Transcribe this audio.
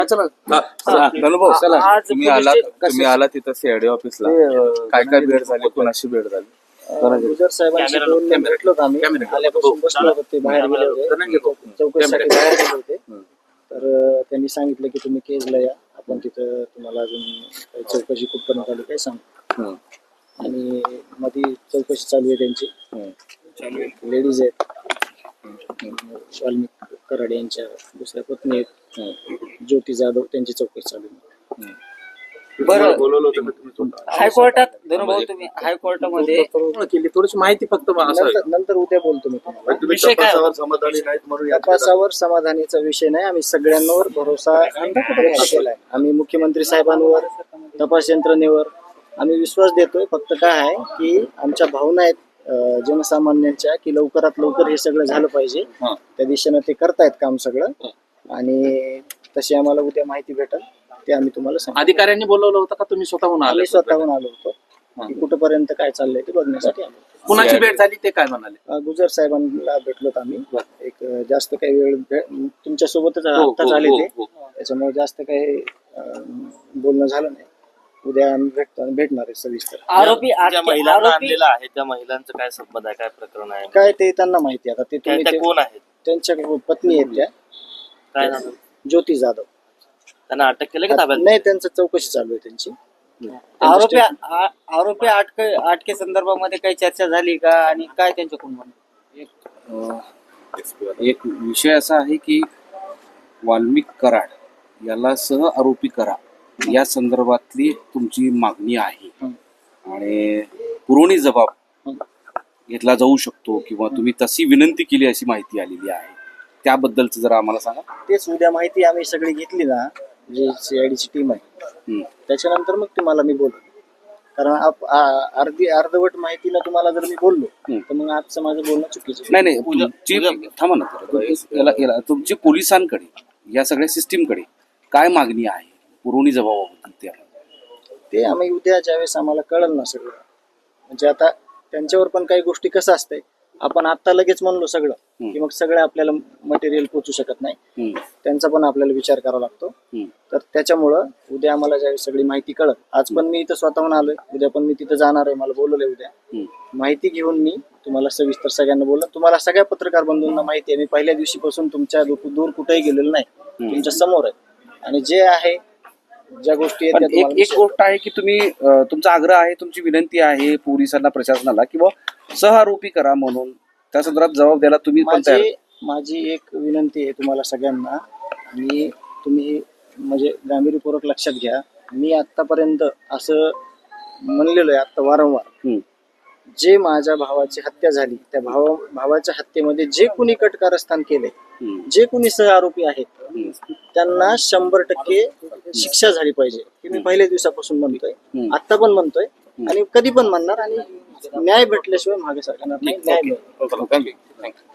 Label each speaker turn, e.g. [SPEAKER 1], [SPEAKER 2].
[SPEAKER 1] धनुभाऊ चला, तुम्ही आला तिथं सीआयडी ऑफिसला, काय काय भेट झाली, कोणाशी भेट झाली?
[SPEAKER 2] गुजर साहेबांशी दोन भेटलो आम्ही. आल्यापासून बसलो होतो, ते बाहेर गेले होते, चौकशीसाठी बाहेर गेले होते. तर त्यांनी सांगितलं की तुम्ही केजला या, आपण तिथं तुम्हाला अजून काही चौकशी कुठ करण्यात आली काय सांग. आणि मध्ये चौकशी चालू आहे त्यांची, लेडीज आहेत, वाल्मिक कराड यांच्या दुसऱ्या पत्नी आहेत, ज्योती जाधव, त्यांची चौकशी चालू आहे.
[SPEAKER 3] बरं, हायकोर्टात धनुभाऊ तुम्ही हायकोर्टामध्ये
[SPEAKER 2] केली थोडीशी माहिती फक्त नंतर उद्या बोलतो मी तुम्हाला.
[SPEAKER 3] विषय काय
[SPEAKER 2] समाधानी नाहीत म्हणून तपासावर समाधानीचा विषय नाही. आम्ही सगळ्यांवर भरोसा केलाय. आम्ही मुख्यमंत्री साहेबांवर, तपास यंत्रणेवर आम्ही विश्वास देतोय. फक्त काय आहे की आमच्या भावना आहेत जनसामान्यांच्या की लवकरात लवकर हे सगळं झालं पाहिजे. त्या दिशेनं ते करतायत काम सगळं, आणि तशी आम्हाला उद्या माहिती भेटेल ते आम्ही तुम्हाला सांगू.
[SPEAKER 1] अधिकाऱ्यांनी बोलवलं होतं का तुम्ही स्वतःहून आले?
[SPEAKER 2] स्वतःहून आलो होतो की कुठपर्यंत काय चाललंय ते बघण्यासाठी आलो.
[SPEAKER 1] कुणाची भेट झाली ते काय म्हणाले?
[SPEAKER 2] गुजर साहेबांना भेटलोत आम्ही. एक जास्त काही वेळ तुमच्या सोबतच आता झाले ते, त्याच्यामुळे जास्त काही बोलणं झालं नाही. उद्या आम्ही भेटणार आहे सविस्तर.
[SPEAKER 3] आरोपी
[SPEAKER 4] महिलांना आणलेला आहे, त्या महिलांचं काय संबंध आहे, काय प्रकरण आहे,
[SPEAKER 2] काय ते त्यांना माहिती. आता ते तुम्ही
[SPEAKER 4] कोण आहेत?
[SPEAKER 2] त्यांच्या पत्नी आहेत त्या,
[SPEAKER 4] काय नाव?
[SPEAKER 2] ज्योती जाधव.
[SPEAKER 4] त्यांना अटक केलं का ताब्यात?
[SPEAKER 2] नाही, त्यांचं चौकशी चालू आहे त्यांची.
[SPEAKER 3] आरोपी अटके संदर्भामध्ये काही चर्चा झाली का, आणि काय त्यांच्याकडून म्हणणं?
[SPEAKER 5] एक विषय असा आहे की वाल्मिक कराड याला सह आरोपी करा या संदर्भातली तुमची मागणी आहे, आणि पुरवणी जबाब घेतला जाऊ शकतो किंवा तुम्ही तशी विनंती केली अशी माहिती आलेली आहे. त्याबद्दलच जरा आम्हाला सांगा.
[SPEAKER 2] तेच उद्या माहिती आम्ही सगळी घेतली ना, जी सीआयडीची टीम आहे, त्याच्यानंतर मग तुम्हाला मी बोलतो. कारण अर्धवट माहितीला तुम्हाला जर मी बोललो तर मग आजचं माझं बोलणं चुकीचं.
[SPEAKER 5] नाही तुमची थांबा ना, तुमची पोलिसांकडे या सगळ्या सिस्टीमकडे काय मागणी आहे पुरवणी जबाबाबद्दल
[SPEAKER 2] ते आम्ही उद्या ज्यावेळेस आम्हाला कळलं ना सगळं, म्हणजे आता त्यांच्यावर पण काही गोष्टी कसं असतंय, आपण आता लगेच म्हणलो सगळं की मग सगळं आपल्याला मटेरियल पोचू शकत नाही. त्यांचा पण आपल्याला विचार करावा लागतो. तर त्याच्यामुळं उद्या आम्हाला ज्यावेळेस सगळी माहिती कळत, आज पण मी इथं स्वतःहून आलोय, उद्या पण मी तिथं जाणार आहे, मला बोलवलंय उद्या. माहिती घेऊन मी तुम्हाला सविस्तर सगळ्यांना बोललो. तुम्हाला सगळ्या पत्रकार बंधूंना माहिती आहे, मी पहिल्या दिवशीपासून तुमच्या दूर कुठेही गेलेलो नाही, तुमच्या समोर आहे. आणि जे आहे ज्या गोष्टी आहेत
[SPEAKER 5] एक गोष्ट आहे की तुम्ही तुमचा आग्रह आहे, तुमची विनंती आहे पोलिसांना, प्रशासनाला किंवा सहआरोपी करा म्हणून, त्या संदर्भात जबाब द्यायला तुम्ही पण तयार?
[SPEAKER 2] माझी एक विनंती आहे तुम्हाला सगळ्यांना, आणि तुम्ही म्हणजे गांभीर्यपूर्वक लक्षात घ्या. मी आतापर्यंत असं म्हणलेलो आहे आता वारंवार, जे माझ्या भावाची हत्या झाली त्या भावाच्या हत्येमध्ये जे कुणी कटकारस्थान केले, जे कुणी सहआरोपी आहेत, त्यांना 100% शिक्षा झाली पाहिजे. हे मी पहिल्या दिवसापासून म्हणतोय, आता पण म्हणतोय, आणि कधी पण म्हणणार. आणि न्याय भेटल्याशिवाय मागे सरकार नाही. न्याय मिळेल.
[SPEAKER 5] थँक्यू.